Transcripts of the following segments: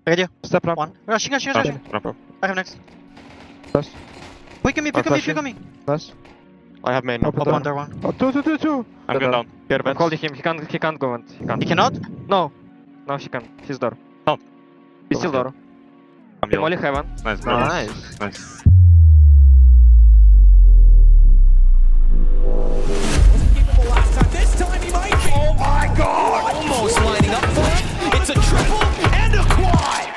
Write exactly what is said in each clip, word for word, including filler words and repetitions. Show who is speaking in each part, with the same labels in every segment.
Speaker 1: Radio.
Speaker 2: Step ramp.
Speaker 1: One. Rushing, rushing,
Speaker 3: Rush,
Speaker 1: rushing.
Speaker 3: ramp up.
Speaker 1: I have next.
Speaker 2: Nice.
Speaker 1: Pick on me, pick on me, pick
Speaker 2: flashing.
Speaker 1: on me.
Speaker 2: Nice.
Speaker 3: I have main now.
Speaker 2: Open
Speaker 1: Up
Speaker 2: door.
Speaker 1: under one.
Speaker 2: Oh, two, two, two, two.
Speaker 3: I'm going down. Care
Speaker 4: I'm
Speaker 3: vents.
Speaker 4: holding him. He can't. He can't go and he can't.
Speaker 1: He cannot?
Speaker 4: No. No, he can. He's door.
Speaker 3: Down.
Speaker 4: He's still door.
Speaker 3: I'm
Speaker 4: He
Speaker 3: yellow.
Speaker 4: only heaven.
Speaker 3: Nice, bro.
Speaker 4: Nice.
Speaker 3: Nice.
Speaker 5: This time he might be. Oh my god! Almost lining up for it. It's a triple and a quad.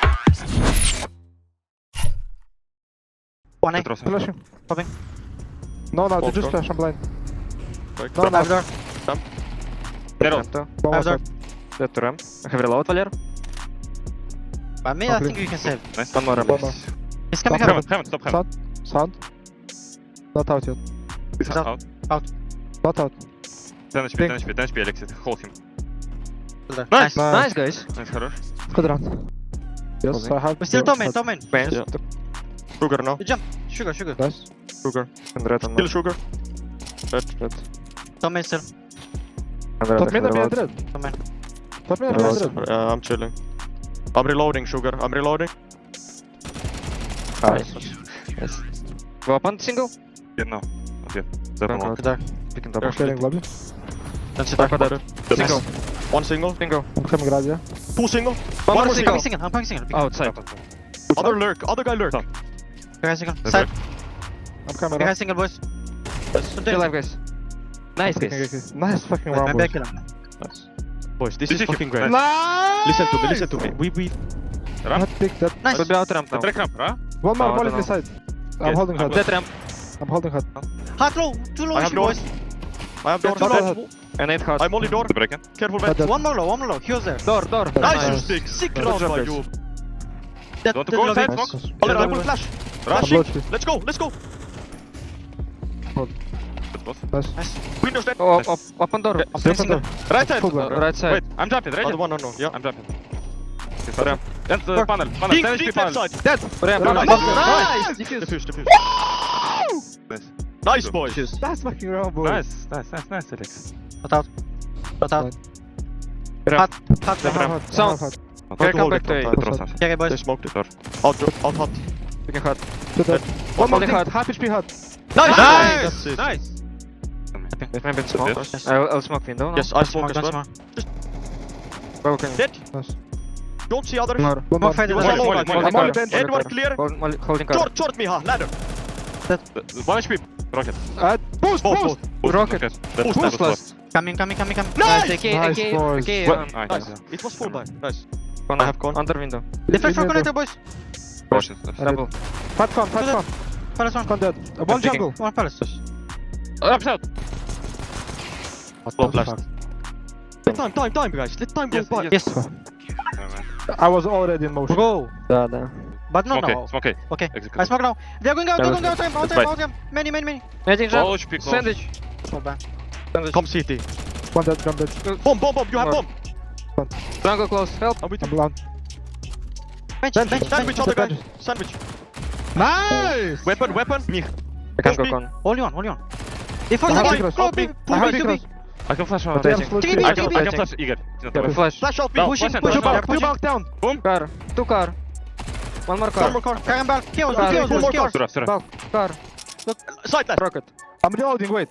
Speaker 1: One A.
Speaker 3: Petros.
Speaker 2: Flashing.
Speaker 1: Popping.
Speaker 2: No, no, they
Speaker 3: Walk
Speaker 2: just
Speaker 3: door.
Speaker 2: flash. I'm blind.
Speaker 3: Quick.
Speaker 2: No,
Speaker 1: I have
Speaker 2: no.
Speaker 1: door.
Speaker 3: Zero.
Speaker 4: Ramp two.
Speaker 2: Bomb
Speaker 1: I have door.
Speaker 2: outside.
Speaker 4: Dead to ramp. I have reload, Valer.
Speaker 1: By me, I
Speaker 2: Okay.
Speaker 1: think you can save.
Speaker 3: Nice.
Speaker 4: One more ramp.
Speaker 2: One more.
Speaker 1: He's coming
Speaker 2: Stop
Speaker 1: up.
Speaker 3: Heaven, heaven, stop heaven.
Speaker 2: Sound. Sound. Not out yet.
Speaker 3: He's
Speaker 1: Out.
Speaker 3: out.
Speaker 2: Not out.
Speaker 3: ten H P,
Speaker 2: Ping.
Speaker 3: ten H P, ten H P, Alexis. Hold him.
Speaker 1: Nice.
Speaker 3: Nice.
Speaker 4: Nice, guys.
Speaker 3: Nice, хорош.
Speaker 2: Good round. Yes,
Speaker 4: Okay.
Speaker 2: I have.
Speaker 1: We're still
Speaker 2: yeah,
Speaker 1: top main,
Speaker 2: but-
Speaker 1: top main.
Speaker 4: Man.
Speaker 3: Yeah. Sugar now.
Speaker 1: You jump. Sugar, sugar.
Speaker 2: Nice.
Speaker 3: Sugar.
Speaker 4: And red on
Speaker 3: Kill sugar. Red.
Speaker 4: red.
Speaker 1: Top main still.
Speaker 4: And red.
Speaker 2: Top
Speaker 4: I
Speaker 2: mid
Speaker 4: have
Speaker 2: and
Speaker 4: reload.
Speaker 2: red.
Speaker 1: Top main.
Speaker 2: Top mid and
Speaker 4: Reload.
Speaker 2: red.
Speaker 3: Uh, I'm chilling. I'm reloading, sugar. I'm reloading.
Speaker 4: Nice. Yes. Go up on single.
Speaker 3: Yeah, no. Not yet. Seven
Speaker 4: Don't
Speaker 3: one.
Speaker 1: Good there.
Speaker 4: Picking
Speaker 3: They're
Speaker 4: double.
Speaker 2: Sharing lobby.
Speaker 1: Don't sit
Speaker 4: Back
Speaker 1: there.
Speaker 4: on that.
Speaker 3: Single.
Speaker 1: Nice.
Speaker 3: One single.
Speaker 4: Single.
Speaker 2: I'm coming right here.
Speaker 3: Two single.
Speaker 4: One more
Speaker 1: I'm
Speaker 4: single.
Speaker 1: coming single. I'm coming single.
Speaker 4: Outside.
Speaker 3: Other lurk. Other guy lurk.
Speaker 1: Guy single.
Speaker 3: That's
Speaker 1: Side.
Speaker 2: I'm coming
Speaker 1: Guy
Speaker 2: up.
Speaker 1: single, boys.
Speaker 4: Still alive, guys. Nice,
Speaker 2: Okay,
Speaker 4: guys.
Speaker 2: okay, okay. Nice fucking
Speaker 1: Wait,
Speaker 2: round,
Speaker 1: maybe I
Speaker 2: boys.
Speaker 1: kill him.
Speaker 3: Nice. Boys, this This is is fucking him. great.
Speaker 2: Nice!
Speaker 3: Listen to me, listen to me. We, we...
Speaker 2: Not big, that.
Speaker 1: Nice.
Speaker 4: Could be out ramp now.
Speaker 3: Track ramp, huh?
Speaker 2: One more,
Speaker 4: No, I
Speaker 2: one
Speaker 4: don't
Speaker 2: in the
Speaker 4: know.
Speaker 2: side. I'm
Speaker 3: Yes,
Speaker 2: holding
Speaker 3: I'm
Speaker 2: hard.
Speaker 4: Dead ramp.
Speaker 2: I'm holding hard.
Speaker 1: Hard low. Too low
Speaker 3: I have
Speaker 1: issue,
Speaker 3: door.
Speaker 1: boys.
Speaker 3: I have door.
Speaker 1: Too low.
Speaker 2: Dead.
Speaker 4: And eight hard.
Speaker 3: I'm only door. Careful, man.
Speaker 2: Dead, dead.
Speaker 1: One more low, one more low. He was there.
Speaker 4: Door, door.
Speaker 3: Nice, you
Speaker 2: Nice.
Speaker 3: stick. Sick
Speaker 2: Nice.
Speaker 3: round
Speaker 4: Good
Speaker 3: by
Speaker 4: job,
Speaker 3: you.
Speaker 1: Dead,
Speaker 3: You want to
Speaker 1: dead
Speaker 3: go
Speaker 1: lobby.
Speaker 3: inside?
Speaker 2: Nice.
Speaker 3: Smoke?
Speaker 2: Yeah,
Speaker 3: Oliver, I
Speaker 2: yeah,
Speaker 3: will
Speaker 2: yeah.
Speaker 3: flash.
Speaker 2: I'm
Speaker 3: Flashing.
Speaker 2: low tree.
Speaker 3: Let's go, let's go.
Speaker 2: Hold.
Speaker 3: Let's go.
Speaker 2: Nice.
Speaker 1: Nice.
Speaker 3: Windows dead.
Speaker 4: Oh, up, up, up on door.
Speaker 1: I'm
Speaker 2: Step
Speaker 1: facing
Speaker 2: on
Speaker 1: him.
Speaker 2: door.
Speaker 3: Right side.
Speaker 2: Full blind.
Speaker 4: Uh, right side.
Speaker 3: Wait, I'm jumping, right?
Speaker 1: Oh,
Speaker 3: Other one, no, no. Yeah, I'm jumping.
Speaker 4: Ramp.
Speaker 3: Ramp. And the
Speaker 1: Door.
Speaker 3: panel. Panel.
Speaker 1: Deep,
Speaker 3: ten H P
Speaker 1: deep
Speaker 3: panel.
Speaker 1: left
Speaker 3: side.
Speaker 4: Dead. Ramp.
Speaker 2: Nice.
Speaker 4: Ramp.
Speaker 1: Nice.
Speaker 4: Defuse.
Speaker 3: Defuse, defuse. Nice. Nice, boys.
Speaker 1: Shoes.
Speaker 2: That's fucking round, boys.
Speaker 3: Nice, nice, nice, nice, Alex.
Speaker 1: Not out. Not out.
Speaker 4: Ramp.
Speaker 1: Hot. Hot.
Speaker 2: I have
Speaker 1: hot.
Speaker 2: hard. I
Speaker 4: Sound.
Speaker 2: have hard.
Speaker 3: Not
Speaker 4: Okay,
Speaker 3: to
Speaker 4: come
Speaker 3: hold
Speaker 4: back
Speaker 3: it
Speaker 4: to
Speaker 3: from
Speaker 4: A.
Speaker 3: side, Petros has.
Speaker 1: Yeah, okay,
Speaker 3: They
Speaker 1: boys.
Speaker 3: smoked it. Or out, out hot.
Speaker 4: Picking hard.
Speaker 2: Two dead. One more
Speaker 4: Holding
Speaker 2: thing.
Speaker 4: hard.
Speaker 2: Half H P hard.
Speaker 1: Nice.
Speaker 3: Nice.
Speaker 1: That's it.
Speaker 3: Nice.
Speaker 4: Maybe in smoke.
Speaker 3: Yes.
Speaker 4: I'll, I'll smoke window now.
Speaker 3: Yes, I
Speaker 1: Smoke,
Speaker 3: smoke as
Speaker 1: don't
Speaker 3: well.
Speaker 1: smoke.
Speaker 4: Broken.
Speaker 3: Dead.
Speaker 2: Nice.
Speaker 3: Don't see others.
Speaker 4: More.
Speaker 2: One
Speaker 1: More
Speaker 2: more.
Speaker 1: fight in the
Speaker 3: Molly,
Speaker 1: side.
Speaker 3: Molly, Molly.
Speaker 2: I'm on the bench.
Speaker 3: Edward clear.
Speaker 4: Hold, molly- holding card.
Speaker 3: Short, short me, ha. Ladder.
Speaker 1: Dead.
Speaker 3: One H P. Rocket.
Speaker 2: Uh, boost,
Speaker 3: Both,
Speaker 2: boost.
Speaker 3: both. Both.
Speaker 4: Rocket.
Speaker 3: Yes.
Speaker 4: Boost
Speaker 3: That was
Speaker 4: last.
Speaker 1: Coming, coming, coming, coming.
Speaker 3: Nice.
Speaker 4: Nice. AK,
Speaker 2: Nice,
Speaker 4: AK,
Speaker 2: boys.
Speaker 4: AK.
Speaker 3: Well,
Speaker 4: um,
Speaker 3: Nice.
Speaker 4: nice.
Speaker 3: It was full buy. Nice.
Speaker 4: Corner.
Speaker 3: I have con.
Speaker 4: Under window.
Speaker 1: Deflect from
Speaker 2: Window.
Speaker 1: connector, boys.
Speaker 3: Caution.
Speaker 4: Double.
Speaker 2: Fat con, fat
Speaker 1: Good.
Speaker 2: con.
Speaker 1: Palace one.
Speaker 2: Con dead. Uh, One
Speaker 4: taking-
Speaker 2: jungle.
Speaker 1: One palace.
Speaker 3: Up south.
Speaker 2: What
Speaker 3: the fuck? Let time, time, time, guys. Let time go
Speaker 4: Yes,
Speaker 3: by.
Speaker 4: yes.
Speaker 1: Yes.
Speaker 2: I was already in motion.
Speaker 1: Bro.
Speaker 4: Да, да.
Speaker 1: But not
Speaker 3: Okay,
Speaker 1: now.
Speaker 3: it's okay.
Speaker 1: Okay.
Speaker 3: Execute.
Speaker 1: I smoke now. They're going out, they're going out. Time, out
Speaker 3: Let's
Speaker 1: time,
Speaker 3: fight.
Speaker 1: out time. Many, many, many.
Speaker 4: Magic jump.
Speaker 3: Close, pick, close.
Speaker 4: Sandwich.
Speaker 1: So bad.
Speaker 4: Sandwich.
Speaker 3: Come C T.
Speaker 2: One dead, jump dead.
Speaker 3: Bomb, bomb, bomb. You have
Speaker 4: More.
Speaker 3: bomb.
Speaker 4: Jungle close. Help.
Speaker 3: I'm with
Speaker 2: I'm
Speaker 3: you.
Speaker 2: blind.
Speaker 1: Bench,
Speaker 2: Bench,
Speaker 1: bench,
Speaker 3: Sandwich,
Speaker 1: bench.
Speaker 3: other guy.
Speaker 2: bench.
Speaker 3: Sandwich.
Speaker 2: Nice!
Speaker 3: Weapon, weapon. Me.
Speaker 4: I can
Speaker 3: Push
Speaker 4: go
Speaker 3: me.
Speaker 4: con.
Speaker 1: Only one, only one. They force
Speaker 2: I have
Speaker 1: the
Speaker 2: secrets.
Speaker 1: Go,
Speaker 3: Help me.
Speaker 1: big.
Speaker 2: I
Speaker 1: Pull
Speaker 2: have
Speaker 1: me to
Speaker 2: secrets.
Speaker 1: big.
Speaker 3: I can flash out.
Speaker 2: But they have
Speaker 4: Rotating.
Speaker 2: split
Speaker 1: Take it
Speaker 2: tree.
Speaker 1: easy,
Speaker 3: I can,
Speaker 1: take it
Speaker 3: I
Speaker 1: easy.
Speaker 3: can flash Igor. He's not
Speaker 2: Yeah,
Speaker 3: aware.
Speaker 4: Flash.
Speaker 3: Flash out me.
Speaker 1: Down.
Speaker 3: Push
Speaker 1: Push
Speaker 3: him,
Speaker 1: him,
Speaker 3: push
Speaker 1: push
Speaker 3: him.
Speaker 1: him.
Speaker 2: Back, two back down.
Speaker 4: Car. Two car. One more car.
Speaker 3: One more car.
Speaker 1: Carry back. Chaos,
Speaker 4: Car.
Speaker 1: chaos,
Speaker 3: One more car.
Speaker 1: chaos.
Speaker 3: Sura, Sura.
Speaker 4: Back. Car.
Speaker 3: Side left.
Speaker 4: Rocket.
Speaker 2: I'm reloading, wait.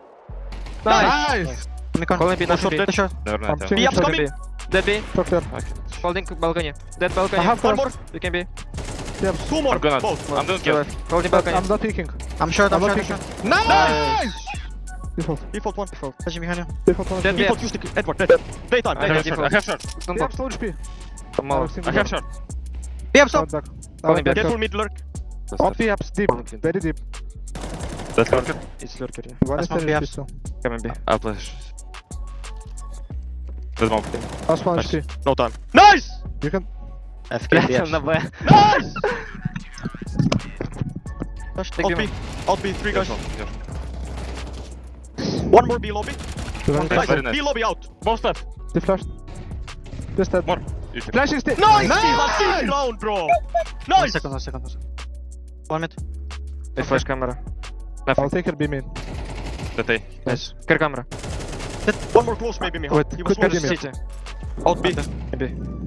Speaker 4: Nice.
Speaker 2: Nice!
Speaker 1: Me con.
Speaker 4: Calling B,
Speaker 3: One
Speaker 4: not
Speaker 3: shot
Speaker 4: B.
Speaker 3: dead.
Speaker 1: Sure.
Speaker 3: Never
Speaker 2: I'm
Speaker 3: mind. yeah.
Speaker 2: checking
Speaker 3: Be up,
Speaker 2: shot.
Speaker 3: coming.
Speaker 4: Dead B.
Speaker 2: Talk there.
Speaker 3: Okay.
Speaker 4: Holding balcony. Dead balcony.
Speaker 2: I have
Speaker 3: One
Speaker 2: con.
Speaker 3: more.
Speaker 4: You can be.
Speaker 3: Two more. I'm gonna. Both.
Speaker 4: One.
Speaker 3: I'm doing
Speaker 4: Two
Speaker 3: kill.
Speaker 4: left. Holding
Speaker 2: But
Speaker 4: balcony.
Speaker 2: I'm not peeking.
Speaker 1: I'm short, I'm
Speaker 2: I'm
Speaker 1: short,
Speaker 2: not
Speaker 1: I'm
Speaker 2: peeking.
Speaker 1: short.
Speaker 2: Nice! Default.
Speaker 3: Default one.
Speaker 1: Touching behind you.
Speaker 2: Default one.
Speaker 4: Dead B.
Speaker 3: Default, use the Edward. Dead. Daytime.
Speaker 4: I
Speaker 3: I
Speaker 4: have
Speaker 3: have shot. I
Speaker 4: default.
Speaker 3: have shot.
Speaker 4: Don't
Speaker 2: They
Speaker 4: go.
Speaker 2: have slow H P.
Speaker 4: Come on.
Speaker 3: I have shot.
Speaker 1: Be up, stop.
Speaker 2: Back.
Speaker 4: Calling
Speaker 2: back.
Speaker 4: back.
Speaker 3: Careful mid lurk.
Speaker 2: Off the apps deep.
Speaker 4: Calling
Speaker 2: Very deep.
Speaker 3: That's lurker.
Speaker 4: It's lurker, yeah.
Speaker 2: One
Speaker 1: That's
Speaker 2: is
Speaker 1: not
Speaker 2: ten
Speaker 1: the
Speaker 2: H P
Speaker 1: apps.
Speaker 2: still.
Speaker 4: Coming B.
Speaker 3: I'll flash. That's one.
Speaker 2: Last one
Speaker 3: Nice.
Speaker 2: H P.
Speaker 3: No time. Nice!
Speaker 2: You can.
Speaker 1: F K B
Speaker 4: Блядь,
Speaker 1: F.
Speaker 4: он на Б.
Speaker 3: Nice!
Speaker 4: Take
Speaker 3: Out
Speaker 4: him.
Speaker 3: B. Out B. Three guys. One more B lobby.
Speaker 2: One
Speaker 3: Nice.
Speaker 4: Very nice.
Speaker 3: B lobby out. Both left.
Speaker 2: They flashed. This dead.
Speaker 3: More. You should-
Speaker 2: Flashing still.
Speaker 3: Nice!
Speaker 2: Nice!
Speaker 3: Nice round, bro.
Speaker 1: One
Speaker 3: Nice!
Speaker 1: second, one second, one second. One mid.
Speaker 4: They flash camera.
Speaker 2: I'll take her B main.
Speaker 3: That A.
Speaker 4: Nice. Care camera.
Speaker 3: One more close maybe me.
Speaker 2: Wait,
Speaker 3: He was
Speaker 2: could be
Speaker 3: close.
Speaker 2: me.
Speaker 4: City.
Speaker 3: Out B.
Speaker 4: Maybe.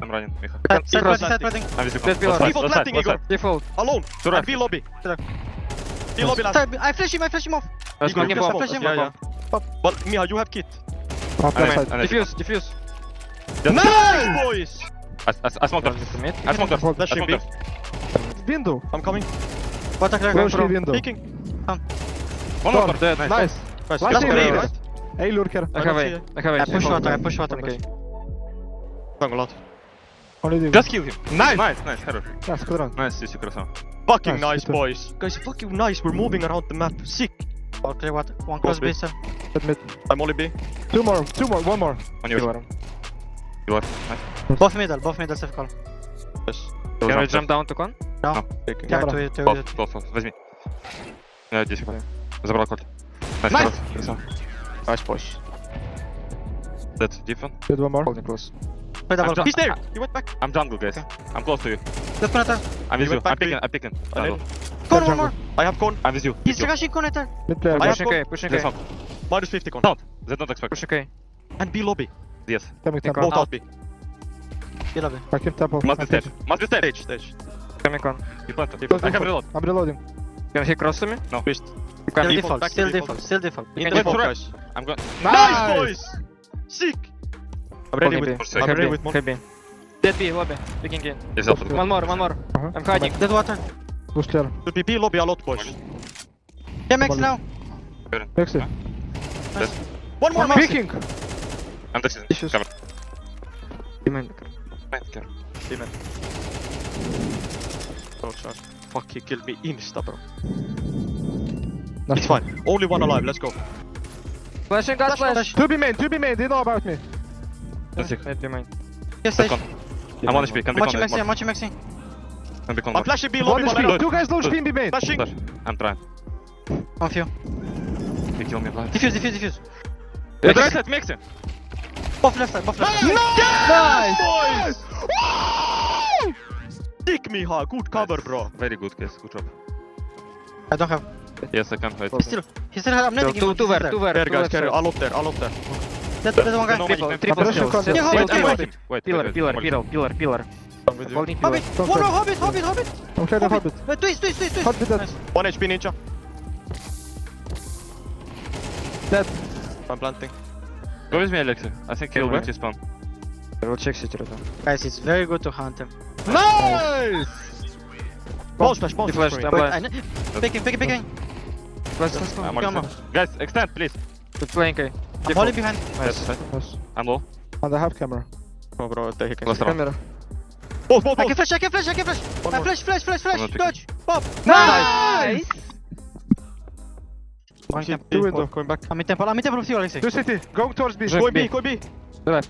Speaker 3: I'm running, Micha.
Speaker 1: Side, side
Speaker 4: cross.
Speaker 1: planting, side planting.
Speaker 3: I'm with you.
Speaker 4: Dead pillar.
Speaker 3: Left
Speaker 5: Default
Speaker 3: side,
Speaker 5: planting,
Speaker 3: left
Speaker 5: Igor.
Speaker 3: side.
Speaker 4: Default.
Speaker 5: Alone.
Speaker 3: To right.
Speaker 5: And B lobby.
Speaker 1: To left.
Speaker 5: B lobby last.
Speaker 1: Side, I flash him, I flash him off.
Speaker 4: Let's
Speaker 5: Igor,
Speaker 4: go.
Speaker 5: you
Speaker 4: Give
Speaker 5: can
Speaker 4: bomb.
Speaker 5: flash him.
Speaker 1: Yeah,
Speaker 5: Yeah, yeah. But Miha, you have kit.
Speaker 2: Up
Speaker 3: And
Speaker 2: left
Speaker 3: I-
Speaker 2: side.
Speaker 3: and I-
Speaker 4: Diffuse, diffuse.
Speaker 3: Just-
Speaker 5: Nice, boys.
Speaker 3: I, I, I smoked
Speaker 4: Just
Speaker 3: her.
Speaker 4: a mid.
Speaker 3: I smoked her.
Speaker 2: Hold
Speaker 3: I
Speaker 5: that should
Speaker 3: smoked
Speaker 5: be.
Speaker 3: her.
Speaker 2: Window.
Speaker 5: I'm coming.
Speaker 1: Water crack.
Speaker 2: Close
Speaker 1: Bro.
Speaker 2: window.
Speaker 5: Peeking.
Speaker 3: One more.
Speaker 2: Gone.
Speaker 3: Dead.
Speaker 2: Nice.
Speaker 3: Nice.
Speaker 5: Nice.
Speaker 2: Last
Speaker 5: Last
Speaker 2: hit,
Speaker 5: play,
Speaker 2: right?
Speaker 5: right?
Speaker 2: Hey, lurker.
Speaker 4: I
Speaker 5: I
Speaker 4: have
Speaker 5: don't
Speaker 4: A.
Speaker 5: see it.
Speaker 4: I have A.
Speaker 1: I push water, I push water.
Speaker 4: Okay.
Speaker 5: Jungle out.
Speaker 2: Only the
Speaker 3: Just kill him. Nice. Nice, nice. Хорош.
Speaker 2: Nice, good run.
Speaker 3: Nice, Сиси, красава.
Speaker 5: Fucking
Speaker 2: Nice,
Speaker 5: nice,
Speaker 2: good.
Speaker 5: boys. Guys, fucking nice. We're moving around the map. Sick.
Speaker 1: Okay, water. One close
Speaker 5: Close
Speaker 1: base. sir.
Speaker 2: Admit.
Speaker 5: I'm only B.
Speaker 2: Two more, two more, one more.
Speaker 3: On your
Speaker 4: Pillar.
Speaker 3: pillar. Nice.
Speaker 1: Both middle, both middle, safe call.
Speaker 5: Yes.
Speaker 4: Can we jump down to con?
Speaker 5: Peeking.
Speaker 1: Yeah,
Speaker 2: Camera.
Speaker 1: to, to,
Speaker 3: Класс, класс, класс. Возьми. Я здесь. Забрал кольт. Nice.
Speaker 2: Nice.
Speaker 3: Красава.
Speaker 4: Nice push.
Speaker 3: Dead. Deep one.
Speaker 2: Did one more.
Speaker 4: Holding close.
Speaker 1: Play double.
Speaker 3: I'm
Speaker 5: He's there. He went back.
Speaker 3: I'm jungle, guys. I'm close to you.
Speaker 1: Left connector.
Speaker 3: I'm with
Speaker 5: He
Speaker 3: you.
Speaker 5: went back
Speaker 3: I'm picking.
Speaker 5: to
Speaker 3: I'm picking.
Speaker 5: I
Speaker 3: Jungle.
Speaker 5: did.
Speaker 1: Con one more.
Speaker 5: I have con.
Speaker 3: I'm with you.
Speaker 1: He's
Speaker 3: With you.
Speaker 1: rushing connector.
Speaker 2: Mid player.
Speaker 5: I have
Speaker 4: Pushing
Speaker 5: con.
Speaker 4: A, pushing
Speaker 3: They
Speaker 4: A.
Speaker 3: smoke.
Speaker 5: Minus fifty con.
Speaker 3: Don't. They don't expect.
Speaker 4: Push A.
Speaker 5: And B lobby.
Speaker 3: Yes.
Speaker 2: Coming
Speaker 4: Take
Speaker 2: temple.
Speaker 5: Both
Speaker 4: Out.
Speaker 5: out B.
Speaker 1: Be lobby.
Speaker 2: I keep temple.
Speaker 3: Must be
Speaker 2: I keep-
Speaker 3: stage. Must be stage.
Speaker 5: Stage, stage.
Speaker 4: Coming con.
Speaker 3: You planted.
Speaker 2: Close
Speaker 3: I have
Speaker 2: default.
Speaker 3: reload.
Speaker 2: I'm reloading.
Speaker 4: Can he cross to me?
Speaker 3: No.
Speaker 5: Twist.
Speaker 4: You can.
Speaker 1: Still
Speaker 5: default,
Speaker 1: default,
Speaker 5: back to
Speaker 1: still
Speaker 5: default.
Speaker 1: default, still default.
Speaker 5: In
Speaker 3: can
Speaker 5: the
Speaker 3: wait
Speaker 5: default,
Speaker 3: for
Speaker 5: guys.
Speaker 3: I'm going.
Speaker 5: Nice, boys. Sick. I'm ready
Speaker 4: Holding
Speaker 5: with.
Speaker 4: B.
Speaker 3: Push
Speaker 5: I'm
Speaker 3: second.
Speaker 5: ready
Speaker 4: Heavy,
Speaker 5: with one.
Speaker 4: heavy. Dead B, lobby. Picking in.
Speaker 3: Yes, I'll put
Speaker 4: One more, one more.
Speaker 2: Uh-huh.
Speaker 4: I'm hiding.
Speaker 1: Dead water.
Speaker 2: Push clear.
Speaker 5: Should be B lobby a lot, boys.
Speaker 1: Yeah, Max now.
Speaker 2: Exit.
Speaker 5: One more,
Speaker 1: One more.
Speaker 5: Max.
Speaker 2: Peeking.
Speaker 3: I'm touching.
Speaker 4: Issues.
Speaker 3: Cover.
Speaker 4: Demon.
Speaker 3: Right, care.
Speaker 5: Demon. Oh, sorry. Fuck, he killed me insta, bro.
Speaker 2: Nice.
Speaker 5: It's fine. Only one alive. Let's go.
Speaker 4: Flashing, got
Speaker 1: Flash,
Speaker 4: flash.
Speaker 2: To be main, to be main. They know about me.
Speaker 3: Let's see.
Speaker 4: Mid, be mine.
Speaker 1: Yes,
Speaker 3: Let's
Speaker 1: stage.
Speaker 3: go. I'm on H P. Can be
Speaker 1: Machi
Speaker 3: con.
Speaker 1: Maxi, Machi Maxi.
Speaker 3: Can be con.
Speaker 5: I'm flashing B
Speaker 2: One
Speaker 5: lobby,
Speaker 2: H
Speaker 5: but I
Speaker 2: P.
Speaker 5: don't.
Speaker 2: Two guys low H P in B main.
Speaker 5: Flashing.
Speaker 3: Flash. I'm trying.
Speaker 1: On few.
Speaker 3: He killed me blind.
Speaker 1: Diffuse, diffuse, diffuse.
Speaker 3: Yeah, right side, mix him.
Speaker 1: Both left side, both left side.
Speaker 5: Nice, boys. Sick, Miha. Good cover, bro.
Speaker 3: Very good, guys. Good job.
Speaker 1: I don't have.
Speaker 3: Yes, I can. Wait.
Speaker 1: He still, he still has, I'm netting him.
Speaker 4: Two,
Speaker 1: he's
Speaker 4: two
Speaker 1: still
Speaker 4: ver, two
Speaker 1: there.
Speaker 4: ver.
Speaker 5: Carry,
Speaker 4: two
Speaker 5: guys,
Speaker 4: left
Speaker 5: carry.
Speaker 4: side.
Speaker 5: All up there. All up there.
Speaker 1: Dead, dead one guy.
Speaker 5: No,
Speaker 4: Triple,
Speaker 5: Mike,
Speaker 4: triple
Speaker 2: I'm
Speaker 4: kills.
Speaker 2: rushing
Speaker 4: Still-
Speaker 1: contact.
Speaker 4: still
Speaker 1: Wait,
Speaker 4: team
Speaker 1: wait,
Speaker 4: fighting.
Speaker 3: Wait,
Speaker 4: Pillar,
Speaker 3: wait,
Speaker 4: pillar,
Speaker 3: wait.
Speaker 4: pillar, pillar, pillar.
Speaker 5: I'm with you.
Speaker 4: Holding pillar.
Speaker 1: Hobbit,
Speaker 2: Don't
Speaker 1: one more
Speaker 2: touch.
Speaker 1: Hobbit, Hobbit, Hobbit.
Speaker 2: I'm clear the hobbit.
Speaker 1: Wait, twist, twist, twist, twist.
Speaker 2: Hobbit dead.
Speaker 1: Nice.
Speaker 5: One H P ninja.
Speaker 2: Dead.
Speaker 5: I'm planting.
Speaker 3: Go with me, Alexei. I think he'll
Speaker 4: Kill
Speaker 3: wait his spawn.
Speaker 4: I will check city right now.
Speaker 1: Guys, it's very good to hunt him.
Speaker 2: Nice.
Speaker 5: Ball splash, ball
Speaker 4: He
Speaker 5: splash.
Speaker 4: flashed,
Speaker 5: for
Speaker 4: I'm
Speaker 5: me.
Speaker 1: Wait,
Speaker 4: blind.
Speaker 1: I ne- Picking, picking, picking.
Speaker 4: Let's, let's go.
Speaker 3: I'm on
Speaker 1: Come
Speaker 3: his side. Guys, extend, please.
Speaker 4: Good playing, A.
Speaker 1: I'm holding behind.
Speaker 3: Yes,
Speaker 4: Nice.
Speaker 2: Nice.
Speaker 3: I'm low.
Speaker 2: And I have camera.
Speaker 5: Oh, bro, they can.
Speaker 3: Last round.
Speaker 4: Camera.
Speaker 5: Both, both,
Speaker 1: I
Speaker 5: both.
Speaker 1: can flash, I can flash, I can flash.
Speaker 5: One
Speaker 1: I
Speaker 5: more.
Speaker 1: flash, flash, flash,
Speaker 3: I'm
Speaker 1: flash.
Speaker 3: not picking.
Speaker 1: Dodge. Pop.
Speaker 2: Nice.
Speaker 1: One
Speaker 5: Shit,
Speaker 1: temple.
Speaker 5: B,
Speaker 2: window.
Speaker 5: Going back.
Speaker 1: I'm in temple, I'm in temple with you, Alexei.
Speaker 2: Two city. Going towards B.
Speaker 4: Go
Speaker 5: Go in
Speaker 4: B.
Speaker 5: B, go in B.
Speaker 4: Left.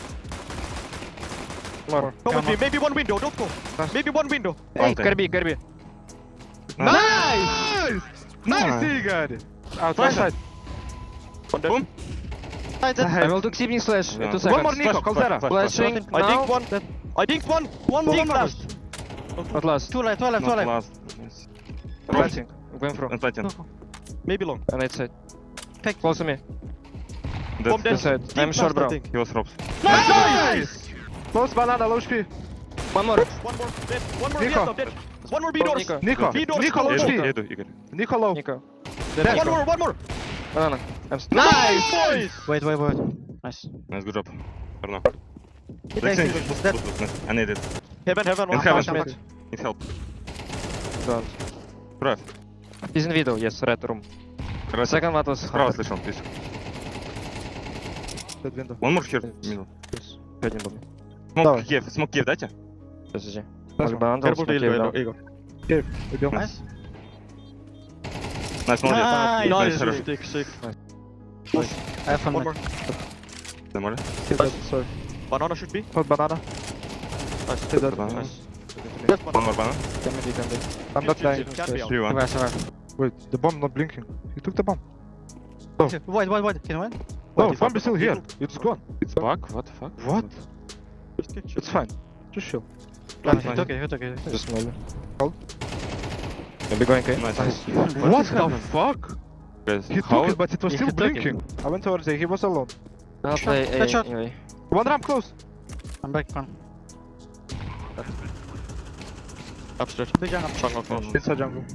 Speaker 2: More.
Speaker 5: Go in
Speaker 1: Come
Speaker 5: B.
Speaker 1: on.
Speaker 5: Maybe one window, don't go. Maybe one window.
Speaker 4: Hey,
Speaker 3: Okay.
Speaker 4: Kirby, Kirby.
Speaker 2: Nice. Nice, Igor. Outside. side.
Speaker 5: One dead.
Speaker 3: Boom.
Speaker 1: Side, dead.
Speaker 4: I will do Xibin slash in
Speaker 3: Yeah.
Speaker 4: two
Speaker 2: One more
Speaker 4: seconds.
Speaker 2: Nico. Colzera.
Speaker 4: Flashing
Speaker 5: I
Speaker 4: now.
Speaker 5: dinked one. I dinked one.
Speaker 1: One more,
Speaker 5: Dink
Speaker 1: one more.
Speaker 5: last.
Speaker 4: Not last.
Speaker 1: Two left, two left, two
Speaker 3: Not
Speaker 1: left.
Speaker 3: last. Nice.
Speaker 4: Planting. I'm going through.
Speaker 3: And planting.
Speaker 5: Maybe long.
Speaker 4: And right side.
Speaker 1: Pick.
Speaker 4: Close to me.
Speaker 5: Bomb
Speaker 3: Dead.
Speaker 5: dead.
Speaker 4: This side.
Speaker 5: Dink
Speaker 4: I'm
Speaker 5: last,
Speaker 4: short,
Speaker 5: I
Speaker 4: bro.
Speaker 5: think.
Speaker 3: He was ropes.
Speaker 2: Nice. Close banana. Low H P.
Speaker 4: One more.
Speaker 5: One more dead. One more
Speaker 2: Nico.
Speaker 5: dead. dead. One more B
Speaker 4: Oh,
Speaker 5: doors.
Speaker 4: Nico.
Speaker 2: Nico.
Speaker 5: B doors.
Speaker 2: Nico low
Speaker 5: Nico.
Speaker 2: H P.
Speaker 3: Еду, Игорь.
Speaker 2: Nico low.
Speaker 4: Nico.
Speaker 2: Dead.
Speaker 5: One more, one more.
Speaker 4: Banana. I'm st-
Speaker 5: Nice, boys.
Speaker 1: Wait, wait, wait. Nice.
Speaker 3: Nice, good job. For now.
Speaker 1: Hit
Speaker 3: Next
Speaker 1: Alexei.
Speaker 3: thing, boost,
Speaker 1: Dead.
Speaker 3: boost, boost, nice. I need it.
Speaker 5: Heaven, heaven.
Speaker 3: In
Speaker 5: One
Speaker 3: heaven.
Speaker 5: flash,
Speaker 1: Mid.
Speaker 3: Need help.
Speaker 4: Don't.
Speaker 3: Drive.
Speaker 4: He's in video, yes, red room.
Speaker 3: Right.
Speaker 4: Second one was
Speaker 3: Справа слышал, please.
Speaker 2: Dead window.
Speaker 3: One more here. Middle.
Speaker 4: Один был.
Speaker 3: Smoke
Speaker 2: Давай.
Speaker 3: Киев. Smoke Киев дайте.
Speaker 4: Подожди.
Speaker 2: Nice
Speaker 4: Может,
Speaker 2: one.
Speaker 4: бандл,
Speaker 5: Careful to
Speaker 4: смотри,
Speaker 5: Igor.
Speaker 4: да.
Speaker 5: Igor.
Speaker 2: Убил.
Speaker 1: Nice.
Speaker 3: Nice, молодец.
Speaker 1: Nice.
Speaker 3: Nice,
Speaker 5: Nice,
Speaker 3: хорошо.
Speaker 5: sick, sick.
Speaker 1: I have fun.
Speaker 5: One
Speaker 1: mid.
Speaker 5: more.
Speaker 3: Нормально?
Speaker 2: Dead. Sorry.
Speaker 5: Banana should be.
Speaker 2: Hold banana.
Speaker 5: Nice.
Speaker 2: Dead.
Speaker 3: Banana.
Speaker 5: Nice.
Speaker 3: One more banana.
Speaker 4: Can be, can be.
Speaker 2: I'm not dying.
Speaker 5: Can be out.
Speaker 3: Three, one.
Speaker 1: Survive, survive.
Speaker 2: Wait, the bomb not blinking. He took the bomb.
Speaker 1: Wait, wait, wait. Can you win?
Speaker 2: No,
Speaker 5: Wait,
Speaker 2: bomb is still here.
Speaker 5: default.
Speaker 2: It's gone.
Speaker 3: It's bug? What the fuck?
Speaker 2: What?
Speaker 5: Just kick,
Speaker 2: It's fine. Just chill.
Speaker 1: Okay,
Speaker 3: Nice.
Speaker 1: okay, okay, okay.
Speaker 4: Just small.
Speaker 2: Hold.
Speaker 4: Can be going, okay?
Speaker 3: Nice.
Speaker 2: What the fuck?
Speaker 3: Guys,
Speaker 2: He
Speaker 3: how?
Speaker 2: took it, but it was
Speaker 1: He
Speaker 2: still
Speaker 1: took it.
Speaker 2: blinking. I went towards there. He was alone.
Speaker 4: I'll play A
Speaker 1: Headshot.
Speaker 4: anyway.
Speaker 2: One ramp close.
Speaker 1: I'm back, one.
Speaker 4: Upstairs.
Speaker 1: Big jungle.
Speaker 4: Jungle close.
Speaker 2: Inside jungle.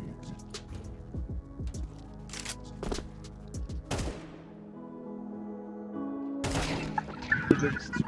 Speaker 6: Gelecek.